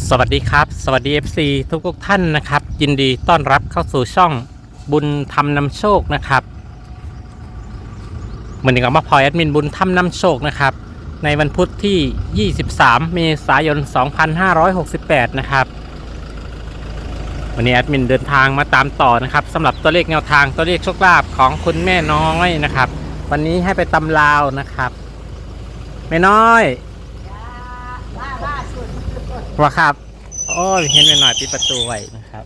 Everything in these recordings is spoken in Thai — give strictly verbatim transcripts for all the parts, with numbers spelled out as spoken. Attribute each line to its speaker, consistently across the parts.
Speaker 1: สวัสดีครับสวัสดี เอฟ ซี ทุกทุกท่านนะครับยินดีต้อนรับเข้าสู่ช่องบุญธรรมนำโชคนะครับเหมือนกับมาพลอยแอดมินบุญธรรมนำโชคนะครับในวันพุธที่ ยี่สิบสาม เมษายน สองพันห้าร้อยหกสิบแปด นะครับวันนี้แอดมินเดินทางมาตามต่อนะครับสำหรับตัวเลขแนวทางตัวเลขโชคลาภของคุณแม่น้อยนะครับวันนี้ให้ไปตำลาวนะครับแม่น้อยว่าครับโอ้ยเห็นไปหน่อยปิดประตูไว้นะครับ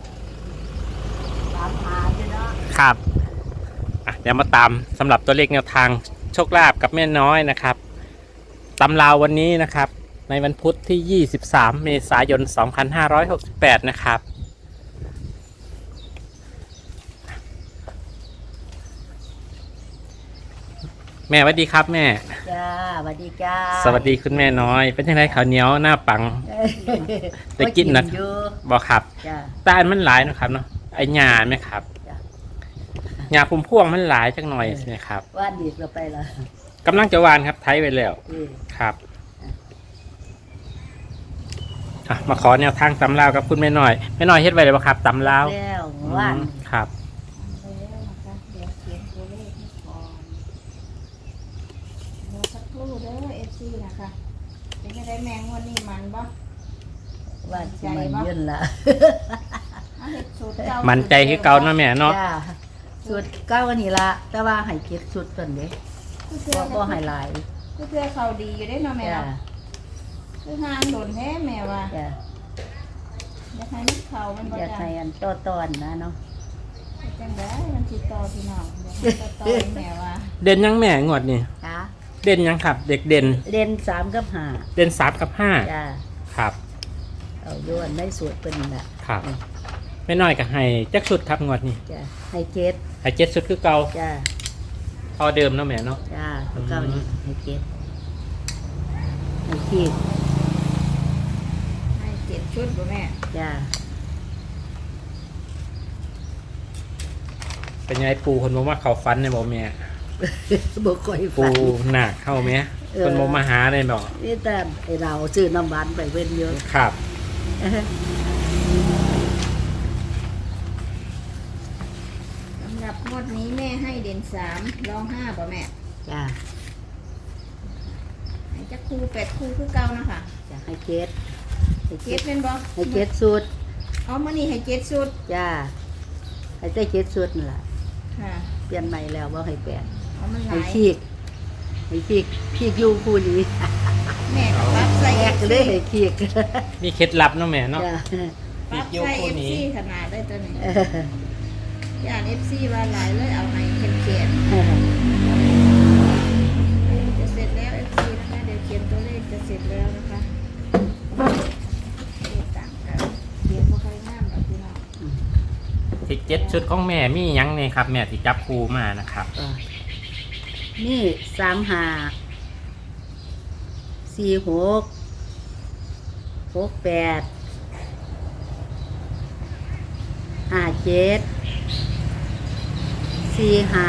Speaker 1: ครับเดี๋ยวมาตามสำหรับตัวเลขแนวทางโชคลาภกับแม่น้อยนะครับตำราววันนี้นะครับในวันพุธที่ ยี่สิบสาม เมษายน สองพันห้าร้อยหกสิบแปด นะครับแม่สวัสดีครับแม่
Speaker 2: จ้าสวัสดีจ้า
Speaker 1: สวัสดีคุณแม่น้อยเป็นยังไงข้าวเหนียวหน้าปังจะกินนะบอกครับตาลมันหลายนะครับเนาะไอ้หญ้าไหมครับหญ้าพุ่มพวงมันหลายจังหน่อยใช่ไหมครับ
Speaker 2: ว่านดีเราไปละ
Speaker 1: กำลังจะวานครับไทยไปแล้วครับมาขอแนวทางตำลาวกับคุณแม่น้อยแม่น้อยเฮ็ดไว้เลยป่ะครับตำลาว
Speaker 2: แล้วว่าน
Speaker 1: ครับ
Speaker 3: เด้อ เอฟ ซี นะคะเป็นยังไงแมงวันนี้มันบ่
Speaker 2: ว่าใจยืนละ
Speaker 1: มันใจคือเก่าเนาะแม่เนาะ
Speaker 2: สุดเก้าวันนี้ละแต่ว่าให้เก็บสุดก่อนเด้บ่บ่ให้หลาย
Speaker 3: ก็เพื่อเขาดีอยู่ได้เนาะแม่เนาะคือห่างโดนแท้แม่ว่าอยากให้มันเขามันบ่
Speaker 2: อยากให้อันต่อตอนนะเนาะ
Speaker 3: จังได๋มันสิต่อพี่น้องอยากให้ต่อแม่ว่า
Speaker 1: เด่นยังแม่งวดนี่
Speaker 2: จ้า
Speaker 1: เด่นยังครับเด็กเด่น
Speaker 2: เด่นสามกับห้า
Speaker 1: เด่นสามกับห้า
Speaker 2: จ้า
Speaker 1: ครับ
Speaker 2: เอาโยนได้สวยเป็นแหละ
Speaker 1: ครับไม่น้อยกับให้จักชุดครับงวดนี้
Speaker 2: จ้าให้เจ็ด
Speaker 1: ให้เจ็ดชุดคือเก่า
Speaker 2: จ้า
Speaker 1: พอเดิมเนาะแม่เนาะ
Speaker 2: จ้าเก่านี่ให้เจ็ดให้ขีด
Speaker 3: ให้เจ็ดชุดบ่แม่
Speaker 2: จ้า
Speaker 1: เป็นยังไงปูคนบอกว่าเขาฟันในบอกแม่
Speaker 2: บอกคอย
Speaker 1: ปูหนักเข้าไหมคนโมมาหาเลยบอก
Speaker 2: นี่แต่เราซื้อน้ำหวานไปเว้นเยอะ
Speaker 1: ครับ
Speaker 3: สำหรับงวดนี้แม่ให้เด่นสามรองห้าป่ะแม่
Speaker 2: จ้า
Speaker 3: ให้จักคู่แปดคู่คือเก่านะคะ
Speaker 2: จ้าให้เจ็ด
Speaker 3: ให้เจ็ดเป็นบ่
Speaker 2: ให้เจ็ดสุด
Speaker 3: อ๋อมันนี่ให้เจ็ดสุด
Speaker 2: จ้าให้ได้เจ็ดสุดนั่นแหละ
Speaker 3: ค่ะ
Speaker 2: เปลี่ยนใหม่แล้วว่าให้แปด
Speaker 3: ให้
Speaker 2: ขีกให้ขีกขีกยูคู่นี้
Speaker 3: แม่ปั๊บใส่
Speaker 2: แอกเลยให้ขีก
Speaker 1: มีเคล็ดลับเนาะแม่เนาะ
Speaker 3: ปั๊บใส่เอฟซีขนาดได้ตัวนี้ย่านเอฟซีว่าหลายเลยเอาให้เข้มเขียนจะเสร็จแล้วเอฟซีนะคะเดี๋ยวเขียนตัวเลขจะเสร็จแล้วนะคะต่างกันเขียนบ่ค่อยงามแบบพี่น้อง
Speaker 1: ที่เจ็ดชุดของแม่มียังไงครับแม่ที่จับคูมานะครับ
Speaker 2: นี่สามห้าสี่หกหกแปดห้าเจ็ดสี่ห้า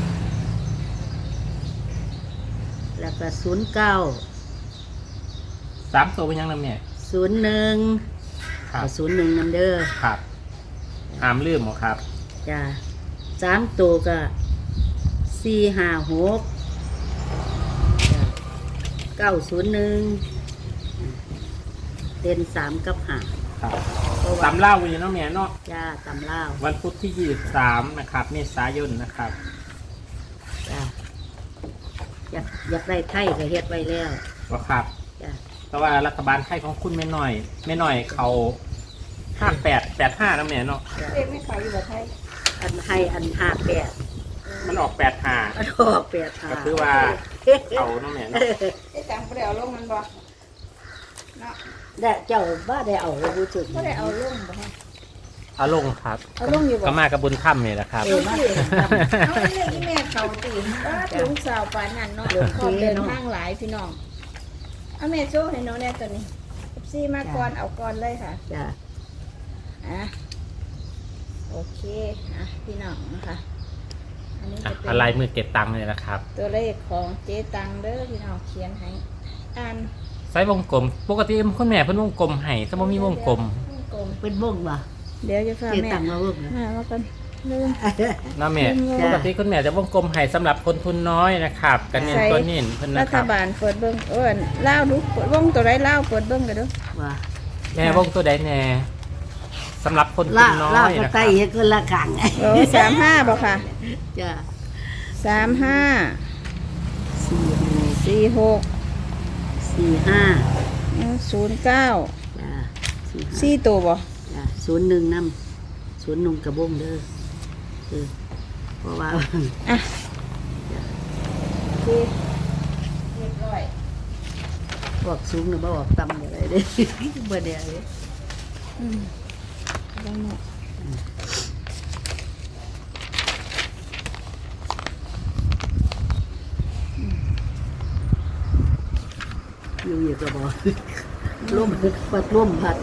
Speaker 2: แล้วก็ศูนย์เก้า
Speaker 1: สามตัวเป็นยังไงแม่
Speaker 2: ศูนย์หนึ่งศูนย์หนึ่งนันเดอร์
Speaker 1: ครับห้ามลืมหรอครับ
Speaker 2: จ้าสามตัวก็สี่ห้าหกเก้าศูนย์หนึ่งเด่นสามกับห้า
Speaker 1: ตำเล่าอยู่เนาะแม่เนาะ
Speaker 2: จ้าตำเล่า
Speaker 1: วันพุธที่ยี่สิบสามนะครับเมษายนนะครับ
Speaker 2: จ้าอยากอยากได้ไข่ก็เฮ็ดไว้แล้ว
Speaker 1: ว่าครับจ้าแต่ว่ารัฐบาลไข่ของคุณไม่น้อยไม่น้อยเขาห้าแปดแปดห้าแล้วแม่เนาะ
Speaker 3: เอ๊ะไม่ขายอยู่แบบไทย
Speaker 2: อันให้อันห้าแปด
Speaker 1: มันออกแปดห้า
Speaker 2: มันออกแปดห้า
Speaker 1: ก็คือว่าเขาเนาะแม่เนาะ
Speaker 3: ไอ้จังบ่ได้เอาลงมันบ่เนาะ
Speaker 2: ได้เจ้าบ้าได้เอาบูจุด
Speaker 3: บ่ได้เอาลงบ่ฮะ
Speaker 1: เอาลงครับ
Speaker 3: เอาลงอยู่บ่
Speaker 1: ก็มากับบุญถ้ำนี่แหละครับ
Speaker 3: เอามาเอาเรื่องที่แม่เขาตีว่าถึงสาวปานนั้นเนาะขอเดินทางหลายพี่น้องเอาแม่โชว์ให้น้องแน่ตัวนี้เอฟซีมาก่อนเอาก่อนเลยค่ะ
Speaker 2: จ้า
Speaker 3: อ่ะโอเคอ่ะพี่น้องนะคะ
Speaker 1: อันนี้จะเป็นอะไรมือเก็บตังค์เลยนะครับ
Speaker 3: ตัวเลขของเจ๊ตังเด้อพี่น้องเขียนให้อ่าน
Speaker 1: ไซส์วงกลมปกติคุณแม่เพิ่นวงกลมให้แต่บ่มีวงกลม
Speaker 3: วงกลม
Speaker 2: เป็นวงบ่
Speaker 3: เดี๋ยวจะพา
Speaker 2: เจ๊
Speaker 3: แม่
Speaker 2: ตังมาวงนะ
Speaker 3: มาว่ากันลืม
Speaker 1: นะแม่
Speaker 3: จ้ะ
Speaker 1: ปกติคุณแม่จะวงกลมให้สำหรับคนทุนน้อยนะครับกันเน้นตัวเน้นเพิ่น
Speaker 3: รั
Speaker 1: นะค
Speaker 3: ฐ
Speaker 1: รับ
Speaker 3: บาลเปิดเบิ่งเอ้นเล่าวดูเปิดวงตัวไรเล่าวเปิดเบิ่งกันดู
Speaker 2: ว่า
Speaker 1: แม่วงตัวใดแน่สำหรับคนทุ
Speaker 2: ลาน
Speaker 1: น้อ
Speaker 2: ลาวย ก็
Speaker 1: นะค
Speaker 2: ไต
Speaker 1: รับ
Speaker 2: เฮ็ดคนละขัง
Speaker 3: โอ้สามห้าบอกค่ะ
Speaker 2: จ้า
Speaker 3: สามห้า
Speaker 2: สี่
Speaker 3: สี่หก
Speaker 2: สี่ห้า
Speaker 3: ศูนย์เก้า
Speaker 2: จ้าสี่ห้า
Speaker 3: สี่ตัวบ่
Speaker 2: จ้าศูนย์หนึ่งนำศูนย์หนึ่งกระบงเด้อเออเพราะว่า
Speaker 3: อ่ะสี่เรียบร้อย
Speaker 2: บอกสูงหรือบ่บอกต่ำอะไรเด้ บ่ได้เลย
Speaker 3: อืมลองหน่อย
Speaker 2: อยู่อยู่ก็บอก ร่มปัดร่มผัด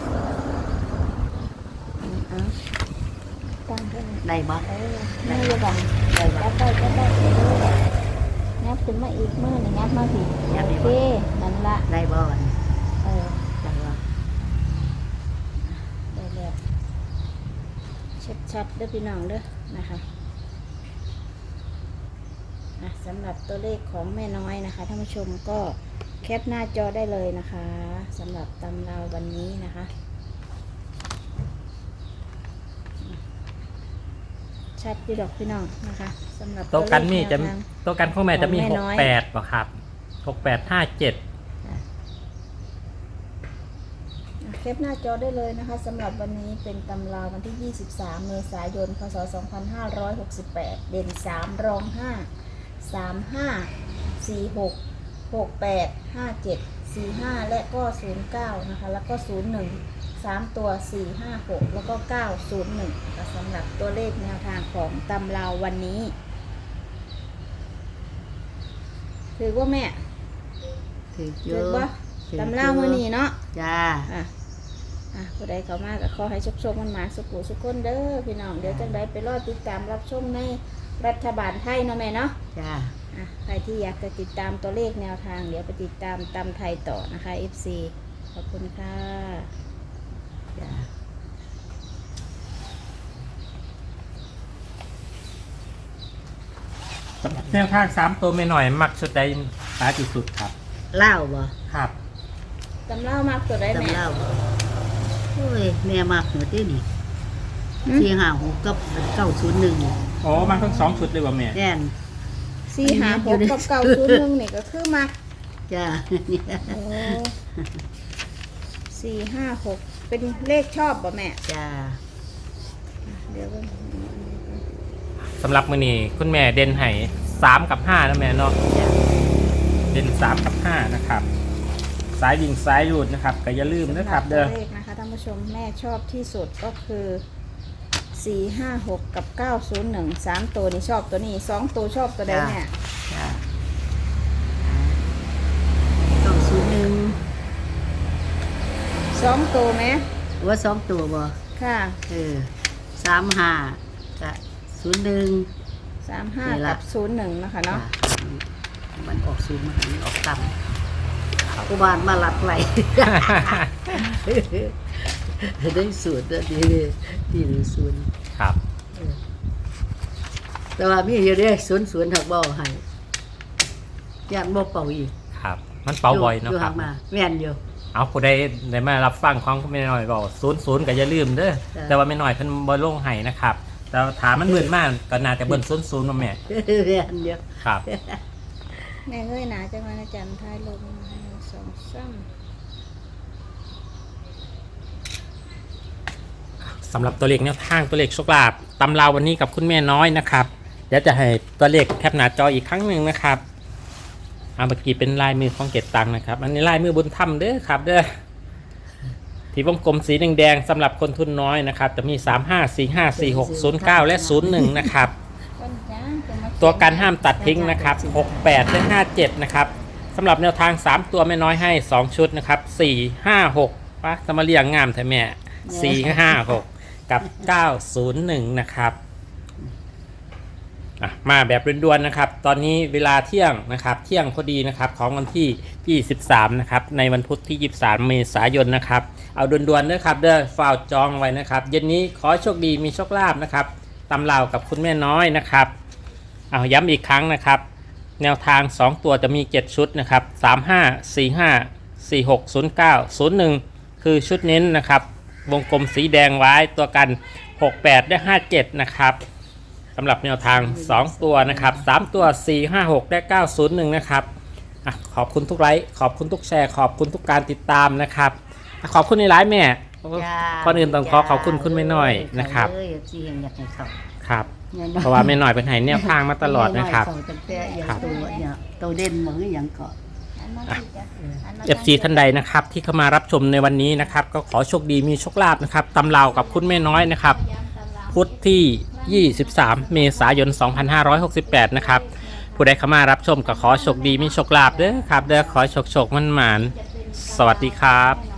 Speaker 3: เอาตั้งขึ้น
Speaker 2: ได้บ่
Speaker 3: เออไม่ระวัง
Speaker 2: ได้บ่
Speaker 3: ยับไปยับไปยับขึ้นมาอีกมือหนึ่งยับมาสิโอเคนั่นละ
Speaker 2: ได้บ่วัน
Speaker 3: เออ
Speaker 2: ได้บ่
Speaker 3: ได้แล้วชัดๆเด้อพี่น้องเด้อนะคะอ่ะสำหรับตัวเลขของแม่น้อยนะคะท่านผู้ชมก็แคปหน้าจอได้เลยนะคะสำหรับตำราววันนี้นะคะชัดอยู่ดอกพี่น้องนะคะสำหรับ
Speaker 1: ตัวกันมีจะ
Speaker 3: แนวทาง
Speaker 1: ตัวกันของแม่จะมี
Speaker 3: ของ
Speaker 1: ห
Speaker 3: แม่
Speaker 1: ก
Speaker 3: น้อย
Speaker 1: แปดป่ะครับหกแปดห้าเจ็ด
Speaker 3: แคปหน้าจอได้เลยนะคะสำหรับวันนี้เป็นตำราวันที่ ยี่สิบสาม เมษายน พศ สองพันห้าร้อยหกสิบแปด เด่น สาม รอง ห้า สาม ห้า สี่ หก หก แปด ห้า เจ็ด สี่ ห้า และก็ ศูนย์ เก้า นะคะ แล้วก็ ศูนย์ หนึ่ง สาม ตัว สี่ ห้า หก แล้วก็ เก้า ศูนย์ หนึ่งนะคะสำหรับตัวเลขแนวทางของตำราวันนี้ถือว่าแม่
Speaker 2: ถือเย
Speaker 3: ถือ
Speaker 2: อะ
Speaker 3: ว่าตำราวันนี้เนาะ
Speaker 2: จ้า
Speaker 3: อ่ะ อ่ะผู้ใดเข้ามาก็ขอให้ชกๆมันมาสุขุสุขคนเด้อพี่น้อง เดี๋ยวจังใดไปรอติดตามรับชมในรัฐบาลไทยเนาะแม่เนาะ
Speaker 2: จ้า
Speaker 3: อ่ะใครที่อยากจะติดตามตัวเลขแนวทาง เดี๋ยวไปติดตามตำไทยต่อนะคะ เอฟ ซี ขอบคุณค่ะ
Speaker 2: จ้า
Speaker 1: แนวทางสามตัวไม่หน่อย มักชุดใดหาที่สุดครับ
Speaker 2: เล่าบ่
Speaker 1: ครับ
Speaker 3: ตำเล่ามากตัวได้แม่
Speaker 2: จำเล่าบ่โอ้ยแม่มากหนูที่นี่
Speaker 3: หืม
Speaker 2: สี่ห้าหกกับเก้าศูนย์หนึ่ง
Speaker 1: อ๋อมันทั้งสองชุดเลยว่ะแม่
Speaker 2: แน่น
Speaker 3: สี่หาหกกับเก่าศูนย์หนึ่งนี่ก็คือมัก
Speaker 2: จ้า
Speaker 3: โอ้สี่ห้าหกเป็นเลขชอบป่ะแม่
Speaker 2: จ้า
Speaker 3: เดี๋ยวก่อน
Speaker 1: สำหรับมือนี้คุณแม่เด่นให้สามกับห้านะแม่เนาะ
Speaker 2: จ้า
Speaker 1: เด่นสามกับห้านะครับสายยิงสายหยุดนะครับก็อย่าลืมนะครับ
Speaker 3: สำห
Speaker 1: เด้อ
Speaker 3: ตัวเลขนะคะท่านผู้ชมแม่ชอบที่สุดก็คือสี่ห้าหกกับเก้าศูนย์หนึ่งสามตัวนี่ชอบตัวนี้สองตัวชอบตัวใดแม่
Speaker 2: จ้าเก้าศูนย์หนึ่ง
Speaker 3: สองตัวไหม
Speaker 2: ว่าสองตัวบ่
Speaker 3: ค่ะ
Speaker 2: เออสามห้ากับศูนย์หนึ่ง
Speaker 3: สามห้า
Speaker 2: นี่ล่ะ
Speaker 3: กับศูนย์หนึ่งนะคะเนาะ
Speaker 2: มันออกศูนย์มันออกต่ำกูบานมาหลับไหล ได้สูตรได้ดีดีหรือศูนย์
Speaker 1: ครับ
Speaker 2: แต่ว่ามีอยู่เด้ศูนย์ศูนย์ถักบ่ให้ย่านบ่เป่าอีก
Speaker 1: ครับ มันเป่าบ่อยเนาะ
Speaker 2: อยู่
Speaker 1: ครั
Speaker 2: ห่า
Speaker 1: บ
Speaker 2: งมาแม่นอยู่
Speaker 1: เอาผู้ใดได้มารับฟังของคุณแม่น้อยบอกศูนย์ศูนย์ก็อย่าลืมเด้อ
Speaker 2: จ้ะ
Speaker 1: แต่ว่าแม่น้อยเพิ่นบ่ลงให้นะครับ แต่ถามมันเบิ่นมากก็น่าจะเบิ่นศูนย์ศูนย์มาแม่
Speaker 2: แม่นอยู่
Speaker 1: ครับ
Speaker 3: แม่เงยหนาจังหวะอาจารย์ท้ายลงหนึ่งสองสาม
Speaker 1: สำหรับตัวเลขแนวทางตัวเลขโชคลาภตำราววันนี้กับคุณแม่น้อยนะครับเดี๋ยวจะให้ตัวเลขแคปหน้าจออีกครั้งหนึ่งนะครับเอาเมื่อกี้เป็นลายมือของเกตตังนะครับ อันนี้ลายมือบุญธรรมเด้อครับเด้อที่วงกลมสีแดงๆสำหรับคนทุนน้อยนะครับจะมีสามห้าสี่ห้าสี่หกศูนย์เก้าและศูนย์หนึ่งนะครับ
Speaker 3: ต้นจ้าจะมา
Speaker 1: ตัวการห้ามตัดทิ้งนะครับหกแปดและห้าเจ็ดนะครับสำหรับแนวทางสามตัวแม่น้อยให้สองชุดนะครับสี่ ห้า หกปะจะมาเรียงงามแท้แม่สี่ ห้า หกกับเก้าศูนย์หนึ่งนะครับอ่ะมาแบบด่วนๆนะครับตอนนี้เวลาเที่ยงนะครับเที่ยงพอดีนะครับของวันที่ยี่สิบสามนะครับในวันพุธที่ยี่สิบสามเมษายนนะครับเอาด่วนๆด้วยครับเด้อฝากจองไว้นะครับเย็นนี้ขอโชคดีมีโชคลาภนะครับตำราวกับคุณแม่น้อยนะครับเอาย้ำอีกครั้งนะครับแนวทางสองตัวจะมีเจ็ดชุดนะครับสาม ห้า สี่ ห้า สี่ หก ศูนย์ เก้า ศูนย์ หนึ่งคือชุดเน้นนะครับวงกลมสีแดงไว้ตัวกันหก แปดและห้า เจ็ดนะครับสำหรับแนวทางสองตัวนะครับสามตัวสี่ ห้า หกและเก้า ศูนย์ หนึ่งนะครับอ่ะขอบคุณทุกไลค์ขอบคุณทุกแชร์ขอบคุณทุกการติดตามนะครับอ่ะขอบคุณในไลฟ์แม่
Speaker 2: จ้า
Speaker 1: ก่อนอื่นต้องขอขอบคุณคุณแม่น้อยนะครับ
Speaker 2: เอ้ยสิเห็นอยากให้เขา
Speaker 1: ครับ
Speaker 2: แม่น้อย
Speaker 1: เพราะว่าแม่น้อยเป็นไห้แนวทางมาตลอดนะครับ
Speaker 2: แม่อยเขาตั้งแต่อย่างตัวเนี่ยตัวเด่นเหมือนอย่างเกาะ
Speaker 3: อันนั้นสิจ้ะอันนั้น
Speaker 1: เอฟซีท่านใดนะครับที่เข้ามารับชมในวันนี้นะครับก็ขอโชคดีมีโชคลาภนะครับตำราวกับคุณแม่น้อยนะครับพุธที่ยี่สิบสามเมษายนสองพันห้าร้อยหกสิบแปดนะครับผู้ใดเข้ามารับชมก็ขอโชคดีมีโชคลาภเด้อครับเด้อขอโชคโชคมันหมานสวัสดีครับ